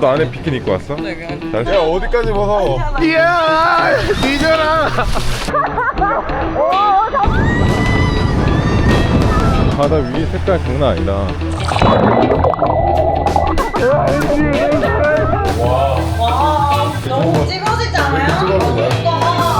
너 안에 비키니 입고 왔어? 네, 그냥. 야, 어디까지 벗어? 이야, 뒤져라. 바다 위 색깔 장난 아니다. 와, 너무 찍어지지 않아요?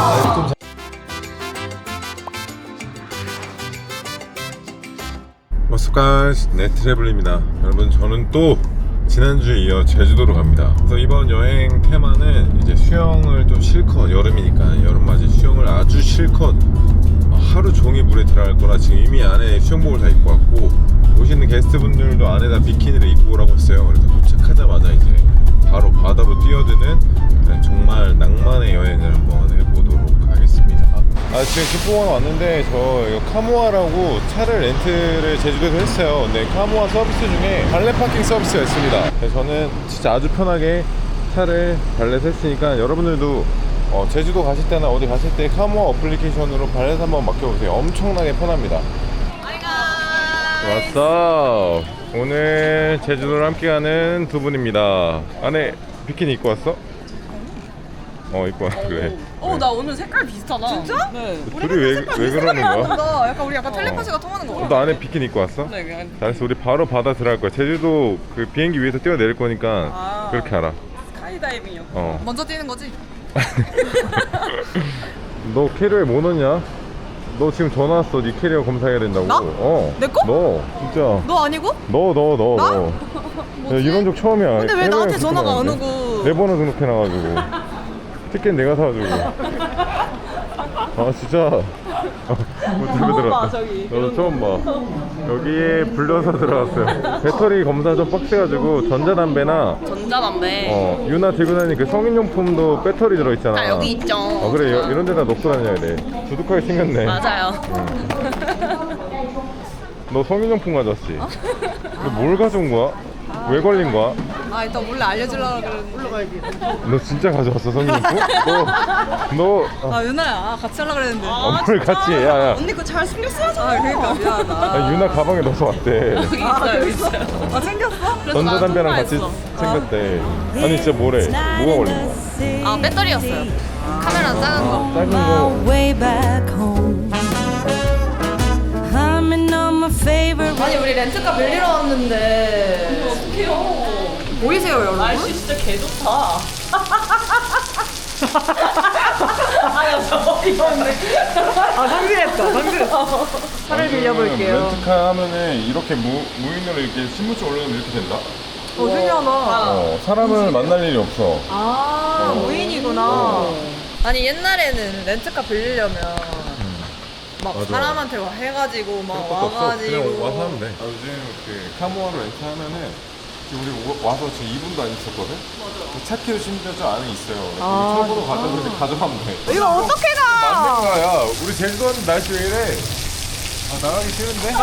What's up guys, 네 트래블입니다. 여러분, 저는 또 지난주에 이어 제주도로 갑니다. 그래서 이번 여행 테마는 이제 수영을 좀 실컷, 여름이니까 여름맞이 수영을 아주 실컷 하루 종일 물에 들어갈 거라 지금 이미 안에 수영복을 다 입고 왔고, 오시는 게스트분들도 안에다 비키니를 입고 오라고 했어요. 그래서 도착하자마자 이제 바로 바다로 뛰어드는 정말 낭만의 여행을 한번 해보도록 하겠습니다. 지금 김포공항 왔는데 저 이거 카모아라고 차를 렌트를 제주도에서 했어요. 근데 카모아 서비스 중에 발레 파킹 서비스가 있습니다. 그래서 저는 진짜 아주 편하게 차를 발렛 했으니까 여러분들도 제주도 가실 때나 어디 가실 때 카모아 어플리케이션으로 발렛 한번 맡겨보세요. 엄청나게 편합니다. 왔어. 오늘 제주도를 함께하는 두 분입니다. 안에 비키니 입고 왔어? 입고 왔어. 그래. 나 오늘 색깔 비슷하다. 진짜? 네. 둘이 왜 그러는 거야? 약간 우리 약간 텔레파시가 통하는 거 같아. 너 안에 비키니 입고 왔어? 네, 그냥. 잘했어. 우리 바로 바다 들어갈 거야. 제주도 그 비행기 위에서 뛰어내릴 거니까 그렇게 알아. 스카이다이빙이요. 먼저 뛰는 거지? 너 캐리어에 뭐 넣냐? 너 지금 전화 왔어. 네 캐리어 검사해야 된다고. 나? 내 거? 너 진짜. 너 아니고? 너. 야, 이런 적 처음이야. 근데 왜 나한테 전화가 안 오는데? 오고? 내 번호 등록해놔가지고. 티켓 내가 사가지고. 진짜. 처음 봐, 저기. 너도 처음 봐. 여기에 불려서 들어갔어요. 배터리 검사 좀 빡세가지고 전자담배나 유나 들고 다니는 그 성인용품도 배터리 들어있잖아. 여기 있죠. 그래, 이런 데다 놓고 다녀야 돼. 두둑하게 생겼네. 맞아요. 너 성인용품 가져왔지? 너 뭘 가져온 거야? 왜 걸린 거야? 일단 몰래 알려주려고 그랬는데. 올라가야지. 너 진짜 가져왔어, 성인용품? 너 유나야, 같이 하려고 그랬는데. 뭘 같이 해? 야. 언니 거 잘 숨겼어야죠. 그러니까 미안하다. 유나 가방에 넣어서 왔대. 여기 있어요. 챙겼어? 전자담배랑 같이 챙겼대. 아니 진짜 뭐래? 뭐가 걸린 거야? 배터리였어요. 카메라 작은 거. 작은 거. way back home. Humming on my favorite. 아니 우리 렌트카 빌리러 왔는데 어떡해요. 보이세요 여러분? 날씨 진짜 개좋다. 상실했어. 차를 빌려볼게요. 렌트카 하면은 이렇게 무인으로 이렇게 신분증 올려놓으면 이렇게 된다? 신기하다. 사람을 만날 일이 없어. 무인이구나. 아니 옛날에는 렌트카 빌리려면 막 맞아. 사람한테 해가지고 막 그런 것도 없어. 와가지고 그냥 와서 하면 돼. 요즘 그 카모아로 렌트하면은 지금 우리 와서 지금 2분도 안 있었거든? 맞아. 차키도 심지어 저 안에 있어요. 처음으로 가져가면 돼. 이거 어떻게 가? 맞는 거야. 우리 제주도 왔는데 날씨 왜 이래? 나가기 싫은데?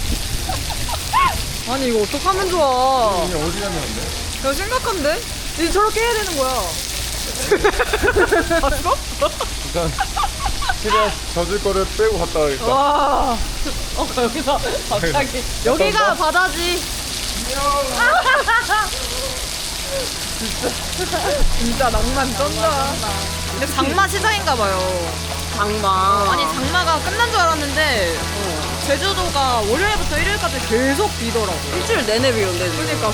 아니 이거 어떡하면 좋아. 이게 어디 가면 안 돼? 이거 심각한데? 이제 저렇게 해야 되는 거야. 일단 최대한 젖을 거를 빼고 갔다 가겠다. 와. 여기서 갑자기. 여기가 바다지. 진짜 낭만 쩐다. 근데 장마 시장인가 봐요. 장마. 아니 장마가 끝난 줄 알았는데 제주도가 월요일부터 일요일까지 계속 비더라고. 일주일 내내 비 온대. 그러니까.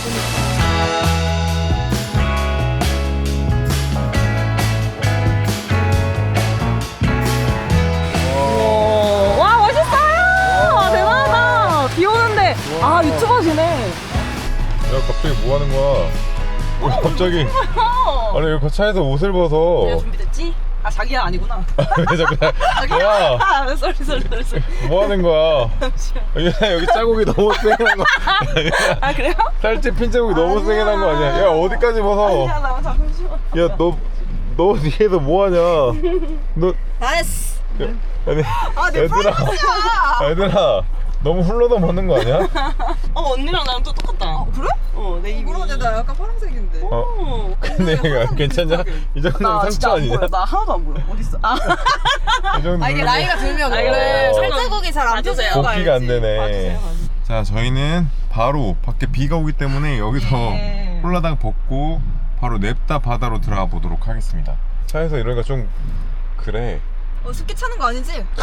와 멋있어요. 대단하다. 비 오는데 유튜버시네. 야, 갑자기 뭐 하는 거야? 왜 갑자기? 아니 왜 차에서 옷을 벗어? 준비됐지? 자기야 아니구나. 왜 자꾸 야, 쏘리. 뭐 하는 거야? 여기 자국이 너무 세게 난 거 아니야? 그래요? 살집 핀 자국이 너무 세게 난 거 아니야? 야, 어디까지 벗어? 나 잠시만. 야, 너 뒤에서 뭐 하냐? 너 나이스. 아니 내 프라이버시야. 얘들아 너무 훌러덩 벗는 거 아니야? 언니랑 나랑 또 똑같다. 그래? 내 입이. 그러네, 나 약간 파란색인데. 근데 이거 괜찮냐? 이 정도면 상처 아니냐? 나 하나도 안 보여. 어딨어? 이 정도 이게 나이가 들면 원래 살자국이 잘 안 펴져요. 복귀가 안 되네. 자, 저희는 바로 밖에 비가 오기 때문에 여기서 홀라당 벗고 바로 냅다 바다로 들어가 보도록 하겠습니다. 차에서 이러니까 좀 그래. 습기 차는 거 아니지? 야,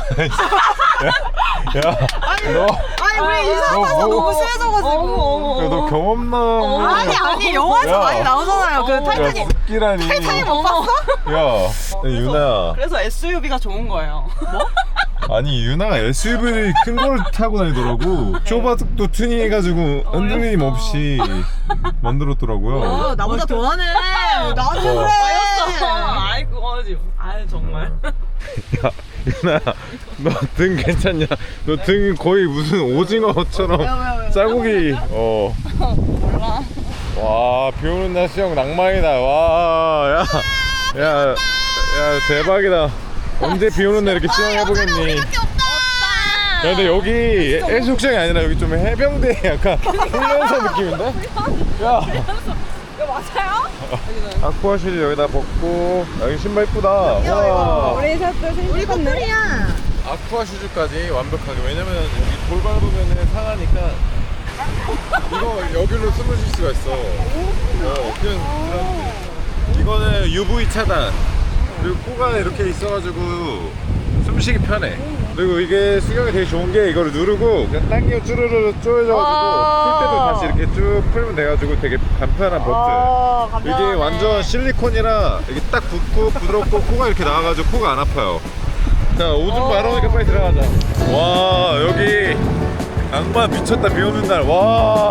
아니 너 우리 이사가서 너 너무 심해져가지고. 야, 너 경험남. 아니 영화에서 야. 많이 나오잖아요. 그 야, 타이타닉. 습기라니. 못 봤어? 야, 유나. 그래서 SUV가 좋은 거예요. 아니 유나가 SUV를 큰 걸 타고 다니더라고. 쇼바둑도 튜닝해가지고 흔들림 없이 만들었더라고요. 나보다 더하네. 나도 어. 그래. 아이고, 아유 정말. 야, 유나, 너 등 괜찮냐? 너 등 거의 무슨 오징어처럼 쌀고기. 몰라. 와, 비 오는 날 수영 낭만이다. 와, 야, 야, 야, 대박이다. 언제 비 오는 날 이렇게 수영해보겠니? 야, 근데 여기 해수욕장이 아니라 여기 좀 해병대 약간 훈련소 느낌인데? 야, 맞아요? 아쿠아실 여기다 벗고. 야, 여기 신발 이쁘다. 와. 우리 커플이야. 아쿠아 슈즈까지 완벽하게. 왜냐면 여기 돌 밟으면 상하니까 이거 여기로 숨을 쉴 수가 있어. 그냥 그런. 이거는 UV 차단. 그리고 코가 이렇게 있어가지고 숨쉬기 편해. 그리고 이게 수경이 되게 좋은 게 이거를 누르고 그냥 당기면 쭈르르 쪼여져가지고 풀 때도 다시 이렇게 쭉 풀면 돼가지고 되게 간편한 버튼. 이게 완전 실리콘이라 이게 딱 붙고 부드럽고 코가 이렇게 나와가지고 코가 안 아파요. 자, 오줌 마려 오니까 빨리 들어가자. 와, 여기 낭만 미쳤다. 비 오는 날. 와,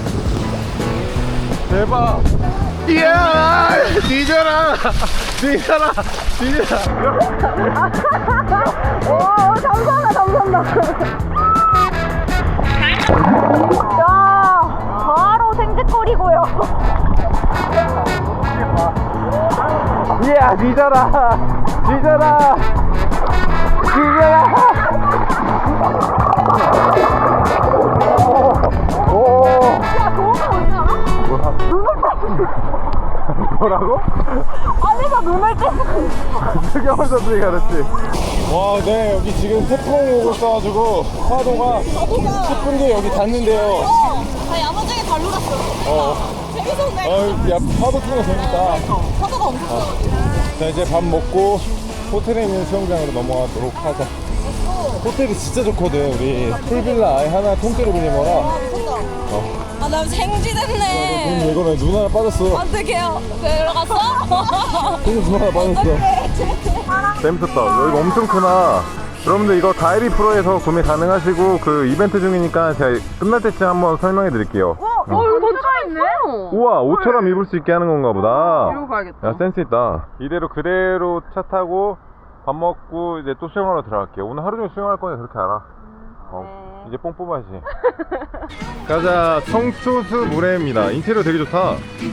대박. 이야, 뒤져라, 뒤져라, 뒤져라. 오, 감사합니다. 야, 바로 생색거리고요. 이야, 뒤져라, 뒤져라, 뒤져라. 오. 야, 좋은 거 뭔지 알아? 눈을 뭐라고? 안에서 눈을 떼고. 수경원 선수가 그랬지. 와, 네, 여기 지금 태풍 오고 있어가지고 파도가 10분 뒤에 여기 닿는데요. 나 야무지게 잘 놀았어. 재밌었네. 야, 파도 트는 거 재밌다. 파도가 엄청 커. 자, 이제 밥 먹고 호텔에 있는 수영장으로 넘어가도록 하자. 호텔이 진짜 좋거든. 우리 풀빌라 아예 하나 통째로 빌린 거라. 아, 나 생쥐됐네. 이거는 눈 하나 빠졌어. 어떡해요? 들어갔어? 눈 하나 빠졌어. 재밌었다. 여기가 엄청 크나. 여러분들 이거 다이비 프로에서 구매 가능하시고 그 이벤트 중이니까 제가 끝날 때쯤 한번 설명해 드릴게요. 이거 던져가 있네. 우와, 옷처럼 입을 수 있게 하는 건가 보다. 이러고 가야겠다. 야, 센스 있다. 이대로 그대로 차 타고 밥 먹고 이제 또 수영하러 들어갈게요. 오늘 하루 종일 수영할 거니 그렇게 알아. 이제 뽕 뽑아야지. 가자. 청초수 물회입니다. 인테리어 되게 좋다.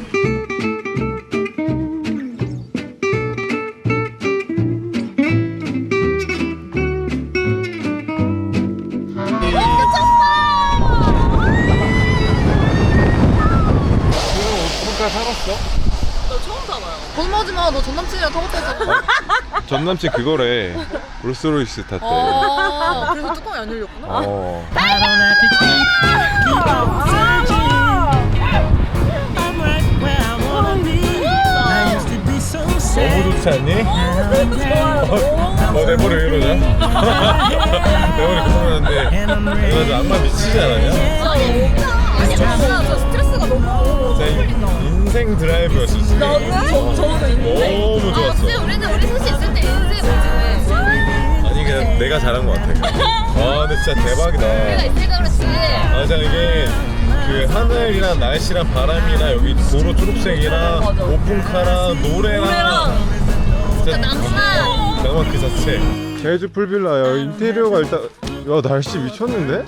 오픈카 타봤어? 너 처음 타봐요. 거짓말하지 마. 너 전 남친이랑 타고 했잖아. 전 남친 그거래. 롤스로이스 탔대. 그래서 뚜껑이 안 열렸구나. 어. I don't have to keep on searching. I'm right where I wanna be. I used to be so sad. 너무 좋지 않니? I'm down. 내 머리 왜 이러냐? 내 머리 고민하는데 너 저 악마 미치지 않았냐? 아니, 저 스트레스가 너무. 진짜 인생 드라이브였어 진짜. 너무 좋았어. 우리 셋이 있을 때 인생 뭐지? 아니 그냥 내가 잘한 것 같아. 아 근데 진짜 대박이다. 있으니까 그렇지. 아 진짜 이게 그 하늘이랑 날씨랑 바람이랑 여기 도로 초록색이랑 오픈카랑 노래랑 진짜 낭만 그 자체. 제주 풀빌라야. 인테리어가 일단 야 날씨 미쳤는데?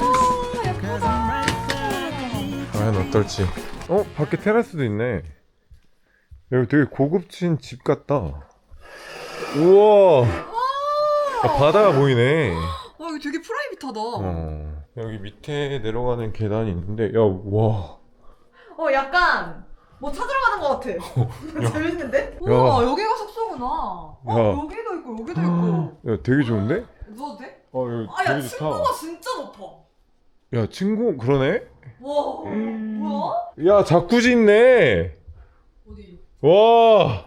과연 어떨지. 밖에 테라스도 있네. 여기 되게 고급진 집 같다. 우와. 바다가 보이네. 여기 되게 프라이빗하다. 여기 밑에 내려가는 계단이 있는데, 야, 와. 약간 뭐 찾으러 가는 것 같아. 재밌는데? 야. 우와, 여기가 숙소구나. 야. 여기도 있고 여기도 있고. 야, 되게 좋은데? 누워도 돼? 여기 야, 되게 층고가 좋다. 진짜 높아. 야, 친구, 그러네? 뭐야? 야, 자쿠지 있네. 어디? 와.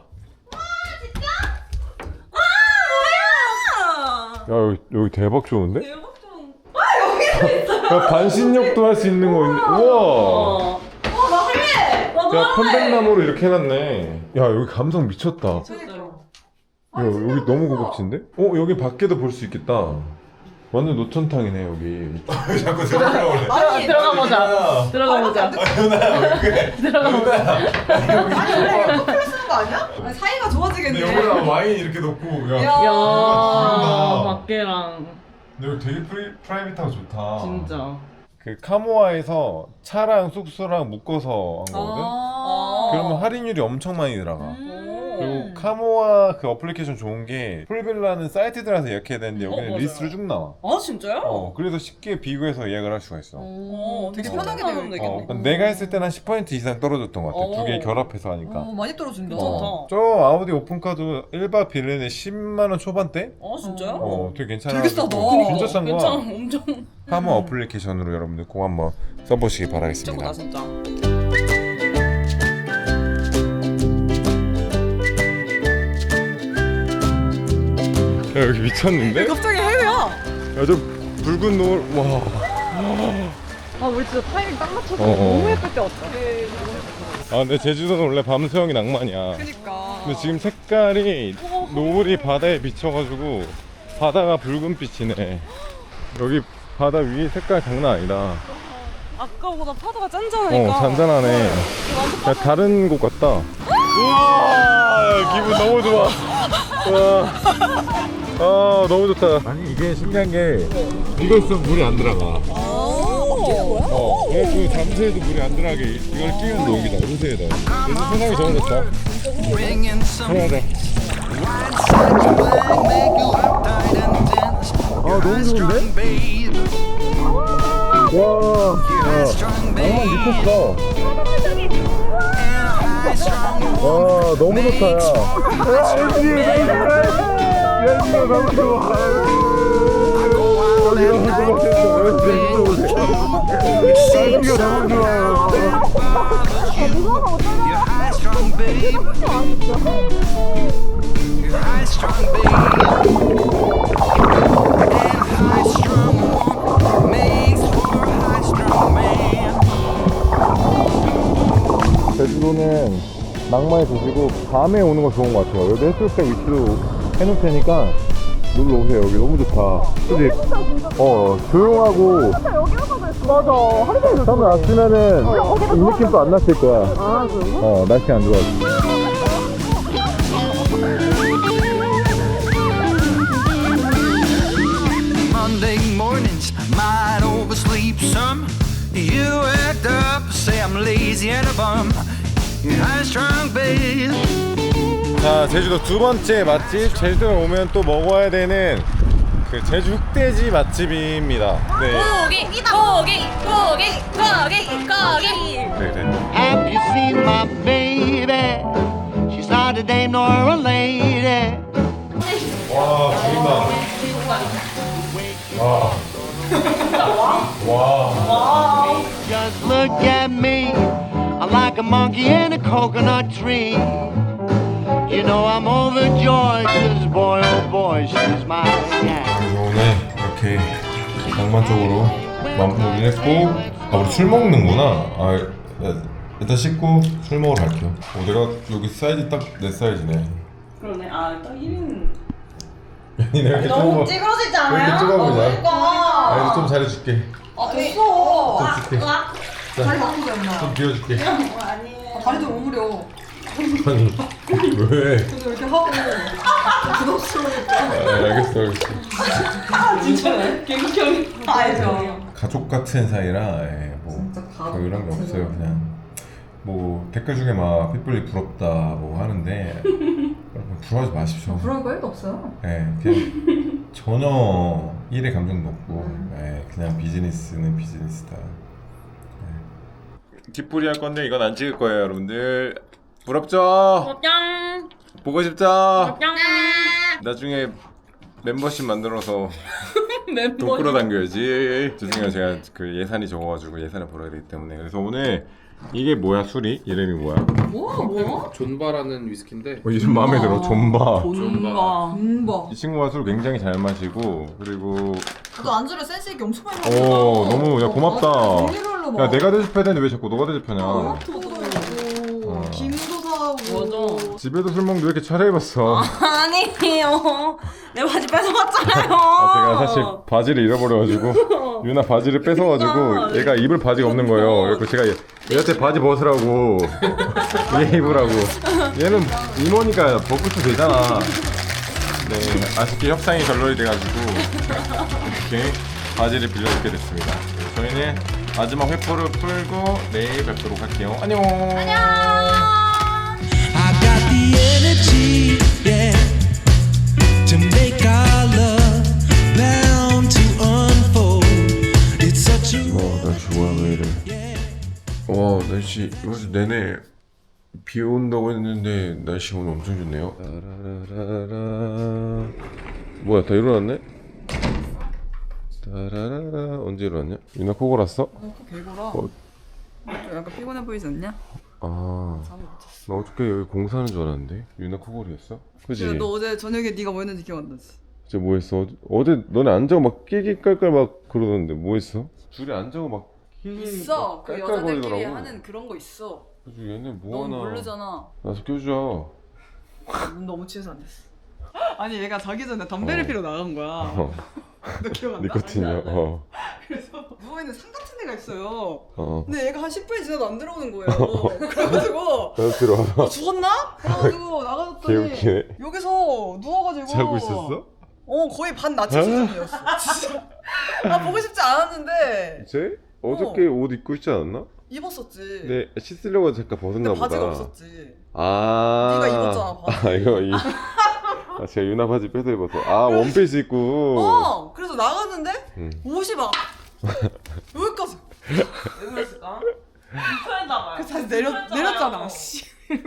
아, 야, 여기 대박 좋은데? 대박 좀. 여기도 있어요. 야, 반신욕도 할 수 있는 거 있네. 우와. 나 할래. 야, 편백나무로 이렇게 해놨네. 야, 여기 감성 미쳤다. 진짜요. 야, 여기 너무 고급진데? 여기 밖에도 볼 수 있겠다. 완전 노천탕이네, 여기. 자꾸 들어가려고 그래. 아니, 들어가 보자. 들어가 보자. 들어가 보자. 아니 원래 이거 커플 쓰는 거 아니야? 아니, 사이가 좋아지겠네. 근데 여기다 와인 이렇게 놓고, 야. 야. 야, 밖에랑 근데 여기 되게 프라이빗하고 좋다. 진짜. 그 카모아에서 차랑 숙소랑 묶어서 한 거거든? 그러면 할인율이 엄청 많이 들어가. 그리고 카모아 그 어플리케이션 좋은 게 풀빌라는 사이트 들어가서 예약해야 되는데 여기는 맞아요. 리스트로 쭉 나와. 아 진짜요? 그래서 쉽게 비교해서 예약을 할 수가 있어. 되게 어. 편하게 되어 있네. 내가 했을 때는 한 10% 이상 떨어졌던 것 같아. 두 개 결합해서 하니까. 많이 떨어진다. 저 아우디 오픈카도 1박 빌레네 10만원 초반대? 진짜요? 되게 괜찮아. 되게 싸다. 진짜 싼 거야. 괜찮아, 엄청. 카모아 어플리케이션으로 여러분들 꼭 한번 써보시기 바라겠습니다. 진짜. 야, 여기 미쳤는데? 갑자기 해외야. 야, 저 붉은 노을, 와. 아 우리 진짜 타이밍 딱 맞춰서 너무 예쁠 때 왔다. 아, 근데 제주도는 원래 밤 수영이 낭만이야. 그니까. 근데 지금 색깔이 노을이 바다에 비쳐가지고 바다가 붉은빛이네. 여기 바다 위 색깔 장난 아니다. 아까보다 파도가 짠짠하니까. 잔잔하네. 야, 다른 곳 같다. 우와, 기분 너무 좋아. 와. 아, 너무 좋다. 아니, 이게 신기한 게 이거 있으면 물이 안 들어가. 그래서 잠수에도 물이 안 들어가게 이걸 끼면 녹이다. 요새에다. 그래서 세상이 좋아졌다. 편하다. 아, 너무 좋은데? 와, 낭만 미쳤어. 와, 너무 좋다, 야. 야, 너무 좋아. 여기 너무 좋아. 제주도는 낭만의 도시고 밤에 오는 거 좋은 것 같아요. 여기 해수욕장 위치도 해놓을 테니까 놀러 오세요. 여기 너무 좋다. 그치? 조용하고. 맞아. 하루 종일 처음에 왔으면은 이 느낌도 안 났을 거야. 날씨 안 좋아서. Monday mornings, I might oversleep some. You act up, say I'm lazy and a bum. You're high strong, babe. 자, 제주도 두 번째 맛집. 제주도에 오면 또 먹어야 되는 그 제주 흑돼지 맛집입니다. 네. 고기. 네. Have you seen my baby? She's not a dame nor a lady. 와, 보인다. 와. Just look at me. I'm like a monkey in a coconut tree. You know I'm overjoyed, 'cause boy, oh boy, she's my gal. 오늘 이렇게 낭만적으로 마무리를 했고, 우리 술 먹는구나. 일단 씻고 술 먹으러 갈게요. 내가 여기 사이즈 딱 내 사이즈네. 그러네. 딱 1인. 아니, 내가 이렇게 너무 찌그러지지 않아요? 이렇게 좁아보자. 그러니까. 그래도 좀 잘해줄게. 됐어. 좀 줄게. 다리 바꾸자 엄마. 좀 비워줄게. 다리 좀 오므려. 아니, 왜? 근데 이렇게 하고 부담스러우니까. 알겠어. 진짜네. 개극형이. 알죠. 가족 같은 사이라 뭐 진짜 가족 그런 게 같은 없어요. 그냥 뭐 댓글 중에 막 핏불이 부럽다 뭐 하는데 여러분 부러워하지 마십시오. 그런 거 1도 없어요. 그냥 전혀 일의 감정도 없고 그냥 비즈니스는 비즈니스다. 뒷풀이 할 건데 이건 안 찍을 거예요, 여러분들. 부럽죠? 짱. 보고 싶죠? 짱. 나중에 멤버십 만들어서 돈 끌어당겨야지. 죄송해요. 제가 그 예산이 적어가지고 예산을 벌어야 되기 때문에. 그래서 오늘 이게 뭐야 술이? 이름이 뭐야? 뭐야? 존바라는 위스키인데 이름 마음에 들어. 존바. 존바. 이 친구가 술 굉장히 잘 마시고 그리고 너 안주를 센스 있게 엄청 많이 먹었다. 너무 야 고맙다. 종류별로 막. 야 내가 대접해야 되는데 왜 자꾸 너가 대접하냐? 김도 사고. 집에도 술 먹는데 왜 이렇게 차려입었어? 아니에요. 내 바지 뺏어갔잖아요. 제가 사실 바지를 잃어버려가지고 유나 바지를 뺏어가지고 얘가 입을 바지가 없는 거예요. 그래서 제가 얘한테 바지 벗으라고 얘 입으라고. 얘는 이모니까 벗고 도 되잖아. 네, 아쉽게 협상이 결렬이 돼가지고 이렇게 바지를 빌려주게 됐습니다. 저희는 마지막 회포를 풀고 내일 뵙도록 할게요. 안녕. I got the energy, yeah, to make our love bound to unfold. It's such a 날씨 뭐야 왜 이래? 와 날씨 요새 내내 비 온다고 했는데 날씨 오늘 엄청 좋네요. 따라라라라. 뭐야 다 일어났네? 따라라라. 언제 일어났냐? 유나 코 골았어? 개구라. 약간 피곤해 보이지 않냐? 나 어저께 여기 공사하는 줄 알았는데 유나 코골이었어? 그지? 너 어제 저녁에 네가 뭐 했는지 기억 안 나지? 진짜 뭐 했어? 어제 너네 안 자고 막 끼끼깔깔 막 그러던데 뭐 했어? 둘이 안 자고 막 끼끼 있어. 막 그 깔깔거리더라고. 여자들끼리 하는 그런 거 있어. 그래서 얘네 넌 뭐하나 모르잖아. 나서 껴주자. 눈 너무 취해서 안 됐어. 아니 얘가 자기 전에 담배를 피러 나간 거야. 너 기억 안 나? 니코틴이요. 그래서 누워있는 산 같은 데가 있어요. 어. 근데 얘가 한 10분이 지나도 안 들어오는 거예요. 그래가지고 나도 들어와. 죽었나? 그래가지고 나가줬더니 개웃기네. 여기서 누워가지고 자고 있었어? 거의 반 나치 수준이었어. 진짜. 아 보고 싶지 않았는데 쟤? 어저께 옷 입고 있지 않았나? 입었었지. 네 씻으려고 잠깐 벗었나 근데 보다. 바지가 없었지. 아. 네가 입었잖아, 바지. 제가 유나 바지 뺏어 입어서. 원피스 입고. 그래서 나갔는데 옷이 막 여기까지. 왜 그랬을까? 불편했나봐요. 그래서 다시 내렸잖아. 씨.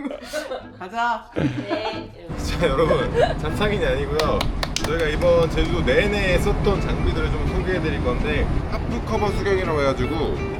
가자. 자 여러분 잡상인이 아니고요. 저희가 이번 제주도 내내 썼던 장비들을 좀 소개해드릴 건데 하프 커버 수경이라고 해가지고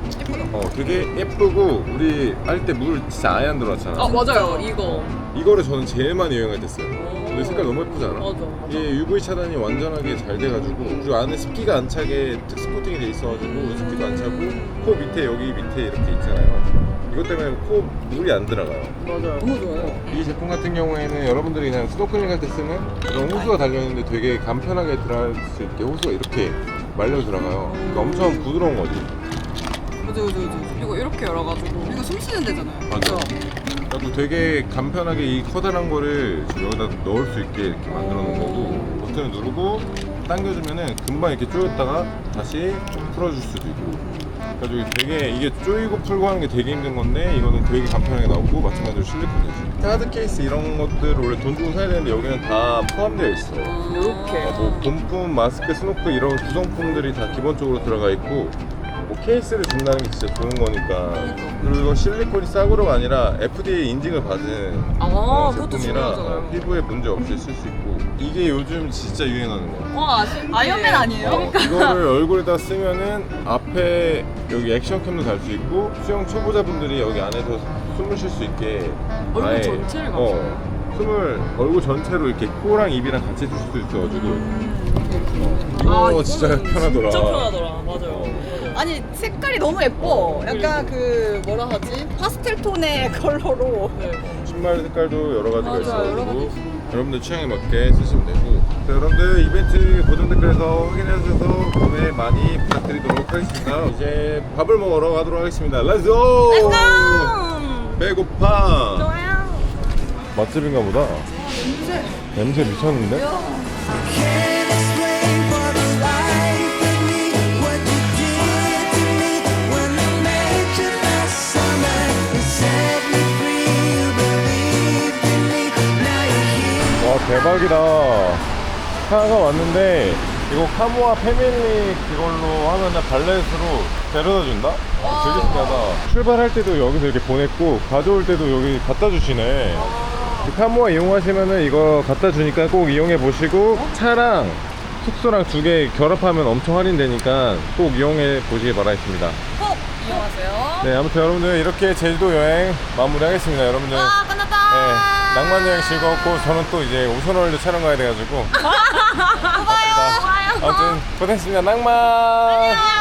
되게 예쁘고 우리 할 때 물 진짜 아예 안 들어왔잖아. 맞아요. 이거. 이거를 저는 제일 많이 이용할 때 써요. 근데 색깔 너무 예쁘지 않아? 맞아. 이게 UV 차단이 완전하게 잘 돼가지고 그리고 안에 습기가 안 차게 특수 코팅이 돼 있어가지고 습기도 안 차고 코 밑에 여기 밑에 이렇게 있잖아요. 이것 때문에 코 물이 안 들어가요. 맞아요. 너무 좋아요. 이 제품 같은 경우에는 여러분들이 그냥 스노클링 할 때 쓰는 그런 호수가 달려있는데 되게 간편하게 들어갈 수 있게 호수가 이렇게 말려 들어가요. 그러니까 엄청 부드러운 거지. 맞아. 이거 이렇게 열어가지고 이거 숨 쉬는 데잖아요. 맞아. 그래서 되게 간편하게 이 커다란 거를 지금 여기다 넣을 수 있게 이렇게 만들어 놓은 거고 버튼을 누르고 당겨주면은 금방 이렇게 조였다가 다시 풀어줄 수도 있고. 그래가지고 되게 이게 조이고 풀고 하는 게 되게 힘든 건데 이거는 되게 간편하게 나오고 마찬가지로 실리콘이지. 카드 케이스 이런 것들 원래 돈 주고 사야 되는데 여기는 다 포함되어 있어. 이렇게. 뭐 본품, 마스크, 스노클 이런 구성품들이 다 기본적으로 들어가 있고 뭐 케이스를 준다는 게 진짜 좋은 거니까. 그리고 이거 실리콘이 싸구려가 아니라 FDA 인증을 받은 그것도 제품이라 중요하잖아요. 피부에 문제 없이 쓸 수 있고 이게 요즘 진짜 유행하는 거야. 와, 아이언맨 아니에요? 이거를 얼굴에다 쓰면은 앞에 여기 액션캠도 달 수 있고 수영 초보자분들이 여기 안에서 숨을 쉴 수 있게 얼굴 전체를 숨을 얼굴 전체로 이렇게 코랑 입이랑 같이 줄 수도 있어가지고 이거 진짜 편하더라. 진짜 편하더라. 맞아요. 아니 색깔이 너무 예뻐. 약간 그 뭐라 하지? 파스텔 톤의 컬러로. 신발 색깔도 여러 가지가 맞아, 여러 있어가지고 여러분들 취향에 맞게 쓰시면 되고. 자, 여러분들 이벤트 고정 댓글에서 확인해주셔서 구매 많이 부탁드리도록 하겠습니다. 이제 밥을 먹으러 가도록 하겠습니다. 렛츠고! 배고파. 좋아요. 맛집인가 보다. 냄새 미쳤는데? can't explain for the life of me what you did to me when I made you last summer. You set me free, you believed in me. Now you're here. 와 대박이다. 차가 왔는데 이거 카모아 패밀리 그걸로 하면은 발렛으로 데려다 준다? 되게 신기하다. 출발할 때도 여기서 이렇게 보냈고 가져올 때도 여기 갖다 주시네. 카모아 이용하시면은 이거 갖다 주니까 꼭 이용해 보시고 차랑 숙소랑 두 개 결합하면 엄청 할인되니까 꼭 이용해 보시기 바라겠습니다. 꼭 이용하세요. 네, 아무튼 여러분들 이렇게 제주도 여행 마무리하겠습니다. 여러분들 와, 끝났다. 네, 낭만 여행 즐거웠고 저는 또 이제 오션월드 촬영 가야 돼가지고 봐요. 아무튼 고생했습니다. 낭만.